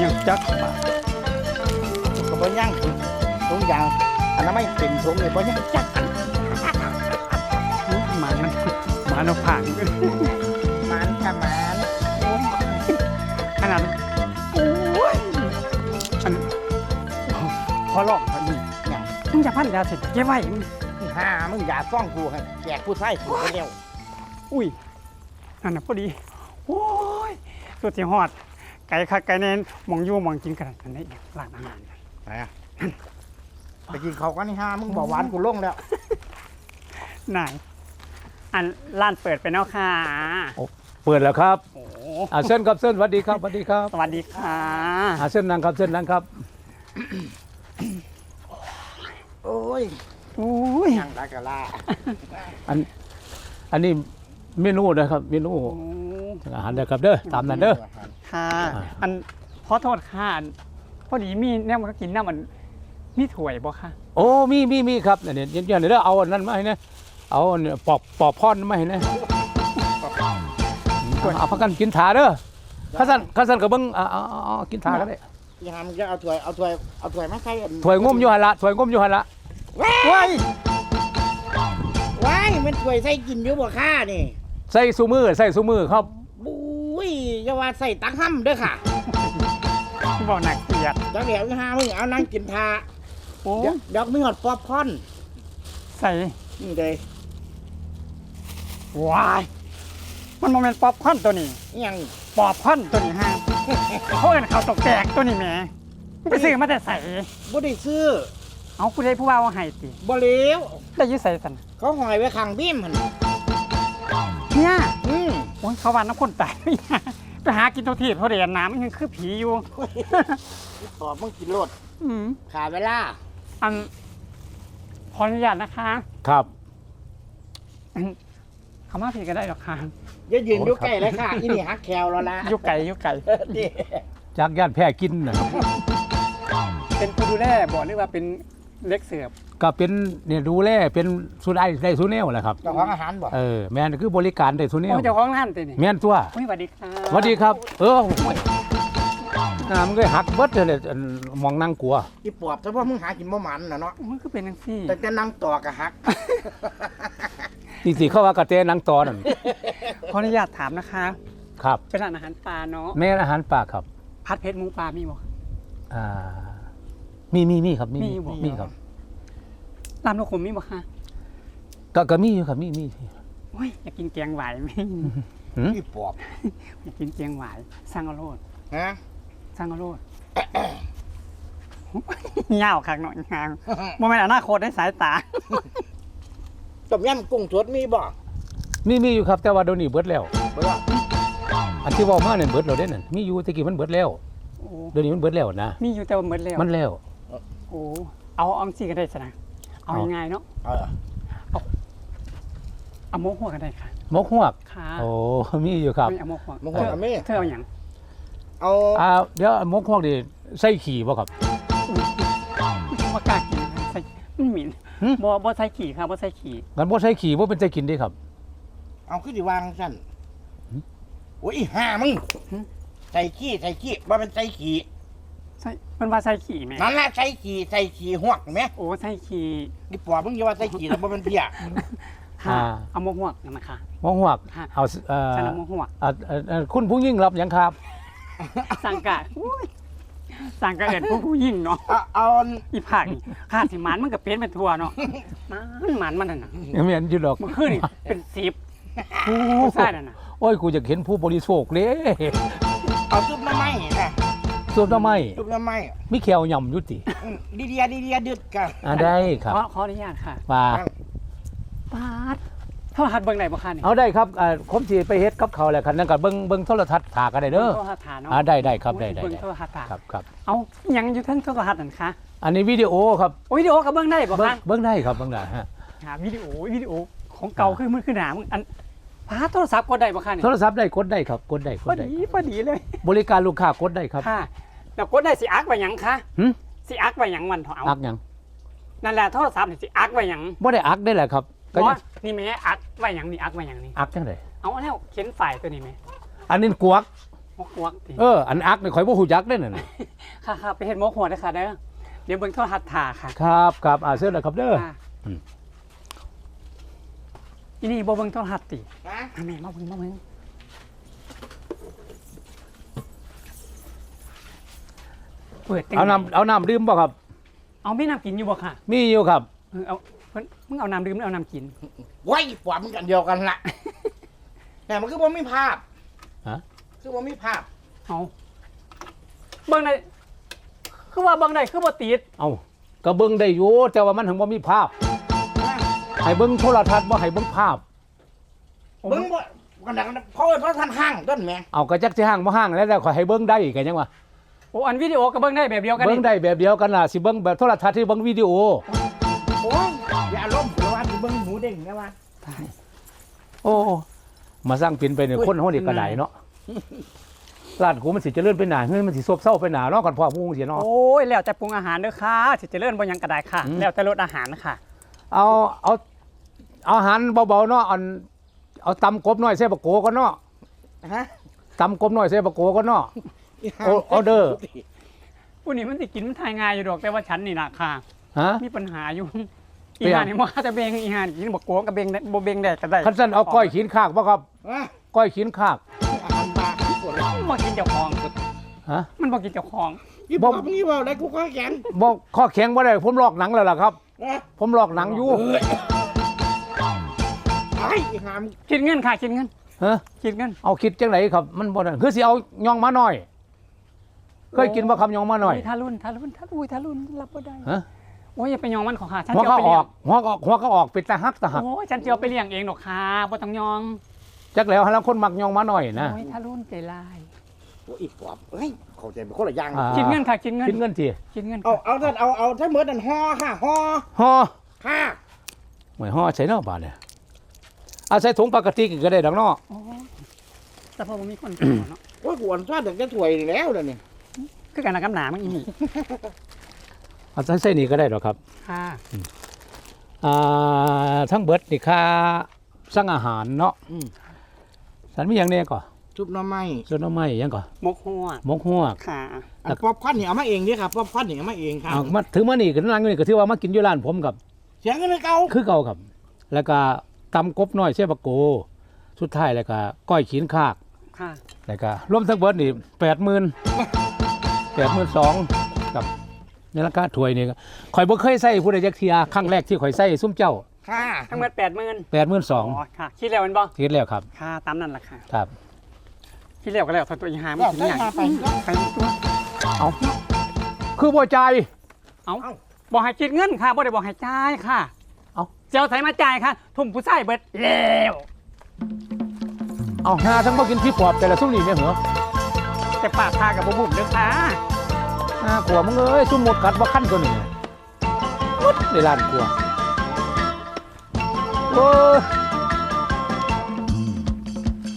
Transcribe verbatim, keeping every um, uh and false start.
ยังจักบาทก็บ่ยั่งทุกอย่างอันนั้นไม่เป็นถุงเลยบ่ยั่งจักหมามันหมาเราผ่านมันกะมันขนาดโอ้ยอันพอลอกพอดีอย่างมึงจะพันยาเสร็จเก็บไว้มึงห้ามึงอย่าซ่องกูให้แจกผู้ชายกูไปเร็วอุ้ยนั่นน่ะพอดีโอ้ยสุดที่ฮอดไก่คักไก่แน่นมองอยู่มองกินกันอันนี้ร้านอาหารไหนอ่ะไปกินเขากันนี่ห้ามึงบอกหวานกูลงแล้วไหนอันร้านเปิดไปแล้วค่ะเปิดแล้วครับโอ้อาเส้นครับเส้นสวัสดีครับสวัสดีครับสวัสดีค่ะอาเส้นนั่งครับเส้นนั่งครับโอ้ยอุ้ยยังได้กะลาอันอันนี้เมนูนะครับเมนูโอ้อาหารนะครับเด้อตามนั้นเด้อค่ะ อันขอโทษค่ะอันพอดีมีแนวมันก็กินน้ำมันมีถ้วยบ่คะโอ้มีมีมีครับเนี่ยเดี๋ยวเดี๋ยวเอาอันนั้นมาให้นะเอาเนี่ยปอกปอกพ่อนมาให้นะเอาพักกันกินถาเด้อข้าสันข้าสันกับเบิ้งเอาเอาเอากินถาก็ได้ยังมึงจะเอาถ้วยเอาถ้วยเอาถ้วยมาใส่ถวยงมอยู่หันละถวยงมอยู่หันละว้าว้ายว้ายมันถ้วยใส่กินอยู่บ่ค่านี่ใส่ซูมือใส่ซูมือครับบุ้ยอย่าว่าใส่ตักห้ำเด้อค่ะที่บอกหนักเกลียดจังเดี๋ยวห้ามึงเอานั่งกินทาโอ้เดี๋ยวเดี๋ยวมีหอดป๊อปคอร์นใส่นี่เลยว้ายมันโมเมนต์ป๊อปคอร์นตัวนี้ยังป๊อปคอร์นตัวนี้ฮะเขาเอิ้นเขาวตกแตกตัวนี้แหมมึงไปซื้อมาแต่ใส่บ่ได้ซื้อเอาผู้ใดผู้ว่าว่าให้ติบ่เลวได้อยื้อใส่สันเขาหอยไว้ข้างบีมหั่นเนี่ยอืมโอ้ยเขาว่าน้ำคนตาย ไปหากินตัวทีเขาเรียนน้ำมันยังคือผีอยู่ตอบมึงกินโลดอืมขาเวลาอันขออนุญาตนะคะครับอันเขามาผิดก็ได้หรอกค่ะอย่ายืนอยู่ใกล้เลยค่ะอีนี่ฮักแคลแล้วล่ะอยุกไก่อยุกไก่นี่จากย่านแพร่กินนะครับเป็นผู้ดูแลบอกหรือว่าเป็นเล็กเสือบก็เป็นเนี่ยดูแลเป็นสุดไอได้สุดแนวแหละครับเจ้าของอาหารบ่เออแม่นคือบริการได้สุดแนโอ้วยเจ้าของร้านเต็นี่แม่นตัวโอ้ยสวัสดีค่ะสวัสดีครับ เออโอ้ยน้ำมันก็หักเบิดเลยอันมองนั่งกลัวอีปอบแต่ว่ามึงหากินบ่หมันน่ะเนาะมันก็เป็นจังซี่แต่จะนั่งต่อกะฮักจริงๆเข้าว่ากระเตนังตอนั่นขออนุญาตถามนะคะครับเป็นร้านอาหารปลาเนาะแม่นอาหารป่าครับพัดเพชรหมูปลามีบ่อ่ามีมีมีครับมีมีบ่มีครับลำนกขมมีบ่คะก็ก็มีอยู่ครับมีมีโอ้ยอยากกินแกงหวายไหมหืมอีปอบอยากกินแกงหวายสร้างเอาโลดฮะสร้างเอาโลด ยาวคักหน่อยงามโมเมนต์อนาคตได้สายตาต้มยำกุ้งสดมีบ่มีมีอยู่ครับแต่ว่าเดี๋ยวนี้เบิดแล้วบ่ว่าอันที่เว่ามาเนี่ยเบิดแล้วเด้นั่นมีอยู่แตะกี้มันเบิดแล้วโอ้เดี๋ยวนี้มันเบิดแล้วนะมีอยู่แต่ว่าหมดแล้วมันแล้วโอ้เอาเอาสิก็ได้สนะเอาเอาง่ายๆเนาะเออเอาโมกหัวก็ได้ค่ะหมกฮวกค่ะโอ้มีอยู่ครับไม่เอาโมกหัวมึงว่ากับแม่เธอเอาอย่างเอาอ่าเดี๋ยวหมกฮวกดิใส่ขี่บ่ครับว่ากล้ากินใส่มันหมิ่นหึบ่บ่ใส่ขี่ค่ะบ่ใส่ขี่งั้นบ่ใส่ขี่บ่เป็นใส่กินเด้ครับเอาขึ้นดิวางสั่นหืมโอ้ยอีห่ามึงใส่ขี้ใส่ขี้ว่าเป็นใส่ขี้ใส่มันว่าใส่ขี่ไหมนั่นแหละใส่ขี้ใส่ขี้หวกไหมโอ้ใส่ขี่อีปอบมึงอย่าว่าใส่ขี้แล้วบ่เป็นเพี้ยค่ะเอาโมกหัวนั่นนะคะหมกฮวกค่ะเอาเอ่อฉันเอาโมกหัวอ่าเอ่อเอ่อคุณผู้ยิ่งรับหยังครับสังกะอุ้ยสังกะเอิดผู้ผู้หญิงเนาะเอาเอาอีภาคนี่ข้าสิหมันมันก็เป็นเป็นทั่วเนาะมันหมันมันนั่นน่ะยังไม่เห็นอยู่ดอกมันขึ้นนี่เป็นสิบโอ้ผู้ชายนั่นน่ะโอ้ยกูอยากเห็นผู้บริโภคเลยเอาซุปน้ำไม้นะส่วนทำไมซุปน้ำไม้มีแควย่ำอยุติอืมดีเดียดีเดียดึดกันอ่าได้ครับขอขออนุญาตค่ะมาปาดโทรทัศน์เบิ่งได้บ่คะนี่เอาได้ครับอ่าผมสิไปเฮ็ดกับเขาวแหละคันนั้นก็เบิ่งเบิ่งโทรทัศน์ถากันได้เด้อโทรทัศน์ฐานเนาะอ่าได้ได้ครับได้ได้เบิ่งได้โทรทัศน์ฐานครับครับเอาหยังอยู่ทั้งโทรทัศน์นั่นคะอันนี้วิดีโอครับโอ้ยวิดีโอก็เบิ่งได้บ่เบิ่งคะเบิ่งได้ครับเบิ่งได้ฮะหาวิดีโอวิดีโอของเก่าคือมือคือหนามึงอันพาโทรศัพท์กดได้บ่คะนี่โทรศัพท์ได้กดได้ครับกดได้กพอดได้ดีพอดีเลยบริการลูกค้ากดได้ครับค่ะแล้วกดได้สิอักไว้หยังคะหึสิอักไว้หยังมันเถอะเอาอักหยังนั่นแหละโทรศัพท์นี่สิอักไว้หยังบ่ได้อักได้แหละครับก็เพยังราะนี่แม่อักไว้หยังนี่อักไว้หยังนี่อักจังได๋เอาแล้วเขียนไฟล์ตัวนี้แม่อันนี้กวกมกหัวติเอออันอักนี่ข่อยบ่ฮู้จักเด้อนั่นน่ะค่ะค่ะไปเฮ็ดมกหัวเด้อค่ะเด้อเดี๋ยวเบิ่งโทรทัศน์ถ่าค่ะครับครับอ่าเชิญเลยครับเด้อค่ะอืมอีนี่บ่เบิ่งโทรทัศน์ติฮะมาแม่มาเบิ่งมาเบิ่งเปิดจังเอาน้ำเอาน้ำดื่มบ่ครับเอามีน้ำกินอยู่บ่ค่ะมีอยู่ครับเออเอาเพิ่นมึงเอาน้ำดื่มหรือเอาน้ำกินไว้ปวดมันกันเดียวกันละแต่มันคือบ่มีภาพฮะคือบ่มีภาพเอาเบิ่งได้คือว่าเบิ่งได้คือบ่ติดเอาก็เบิ่งได้อยู่แต่ว่ามันถึงบ่มีภาพให้เบิ่งโทรทัศน์บ่ให้เบิ่งภาพเบิ่งบ่กันดังเพราะว่าเพราะท่านห้างต้นแม่เอาก็จักสิห้างบ่ห้างแล้วแต่ขอยให้เบิ่งได้ก็ยังว่าโอ้อันวิดีโอก็เบิ่งได้แบบเดียวกันเบิ่งนี่ได้แบบเดียวกันล่ะสิเบิ่งแบบโทรทัศน์ที่เบิ่งวิดีโอโอ้ยอย่าอารมณ์เดี๋ยวว่าสิเบิ่งหมูเด้งนะว่าโอ้มาสร้างปินไปเนี่ยคนเฮานี่ก็ได้เนาะร้านกูมันสิเจริญไปหนาเฮ้ยมันสิซบเซาไปหนาเนาะก่อนพ่อพูงสิเนาะโอ้ยแล้วแต่ปรุงอาหารเด้อค่ะสิเจริญบ่หยังก็ได้ค่ะอืมแล้วแต่รสอาหารค่ะเอาเอาเอาอาหารเบาๆเนาะอันเอาตำกบน้อยใส่บะโกก็เนาะฮะตำกบน้อยใส่บะโกก็เนาะ โอออเดอร์ผู้นี้มันสิกินมันทายง่ายอยู่ดอกแต่ว่าฉันนี่นะค่ะฮะมีปัญหาอยู่เปอีลี่ยนหานี่บ่จะเบงอีหานี่กินบ่โกงกับเบงได้บ่เบงได้ก็ได้คันซั่นเอาก้อยขีนคากบ่ครับฮะก้อยขีนคากอาหารปลาที่ปวดแล้วบ่กินเจ้าของฮะมันบ่กินเจ้าของยี่บอกนี่ว่าได้กูก็แข็งบ่ข้อแข็งบ่ได้ผมลอกหนังแล้วล่ะครับนะผมลอกหนังอยู่ไอ้หามคิดเงินค่ะคิดเงินฮะคิดเงินเอาคิดจังไหนครับ มันบ่นั่นคือสิเอายองมาหน่อย เคยกินบ่คำยองมาหน่อยทารุณทารุณทารุณทารุณรับบ่ได้ฮะโอ้ยอย่าไปยองมันของค่ะฉันหัวจะก็เอาไปอเลี้อย กงหัวก็หัวก็ออกเป็นตาฮักตาหักโอ้ยฉันจะเอาไปเลี้ยงเองดอกค่ะบ่ต้องยองจักแล้วหาลังคนมักยองมาหน่อยนะโอ้ยทารุณใจลายโอ้ยอีปอบเฮ้ยเข้าใจเป็นคนละอย่างอ่าคิดเงินค่ะคิดเงินคิดเงินสิคิดเงินเอาค่ะเอาท่านเอาเอาถ้าเหมือนนั่นห่อค่ะห่อห่อค่ะหวยห่อใส่เนาะบาดเนี่ยเอาใส่ถุงปกติก็ได้ดอกเนาะโอ้ยแต่พอบ่มีคนกินเนาะโอ้ยกวนชาติเด็กจะถวยนี่แล้วเดี๋ยวนี้คือการนักกำหนามันอีนี่เอาใส่ใส่นี่ก็ได้ดอกครับค่ะอ่าทั้งเบิดนี่ค่าสั่งอาหารเนาะอืมสันมีอย่างแน่ก่อซุปหน้ำไม้ส่วนน้ำไม้หยังก่อมกหัวหมกหัวกค่ะอันป๊อปคอร์นนี่เอามาเองเด้ครับป๊อปคอร์นนี่เอามาเองครับเอามาถึงมานี่ก็นั่งอยู่นี่ก็ถือว่ามากินอยู่ร้านผมกับเสียงกันเลยเก่าคือเก่าครับ แล้วก็ตำกบน้อยเช่บะโก สุดท้ายแล้วก็ก้อยขีนคากค่ะแล้วก็รวมทั้งเบิดนี่แปดหมื่นแปดหมื่นสองกับในราคาถ้วยนี่ก็ข่อยบ่เคยใส่ผู้ใดจักเทียครั้งแรกที่ข่อยใส่ซุ้มเจ้าค่ะทั้งหมดแปดหมื่นแปดหมื่นสองอ๋อค่ะคิดแล้วแมันบ่คิดแล้วครับค่ะตามนั่นล่ะค่ะครับคิดแล้วก็แล้วตัวอีหามันแล้วถึงใส่อย่างมาไปไปตัวเอาคือบ่ใจายเอาบอกให้คิดเงินค่ะบ่ได้บอกให้จ่ายค่ะเอ้าเจ้าใส่มาจ่ายค่ะ ทุ่มผู้ชายเบิดแล้วเอาหาทั้งบ่กินพี่ปอบแต่ละซุ้มนี่แม่เหรอแต่ปากพากับบ่บุ่มเด้อค่ะอ่ากลัวมึงเอ้ยซุ่มหมดกัดบ่คันตัวนี้มุดในร้านกลัวโอ้ย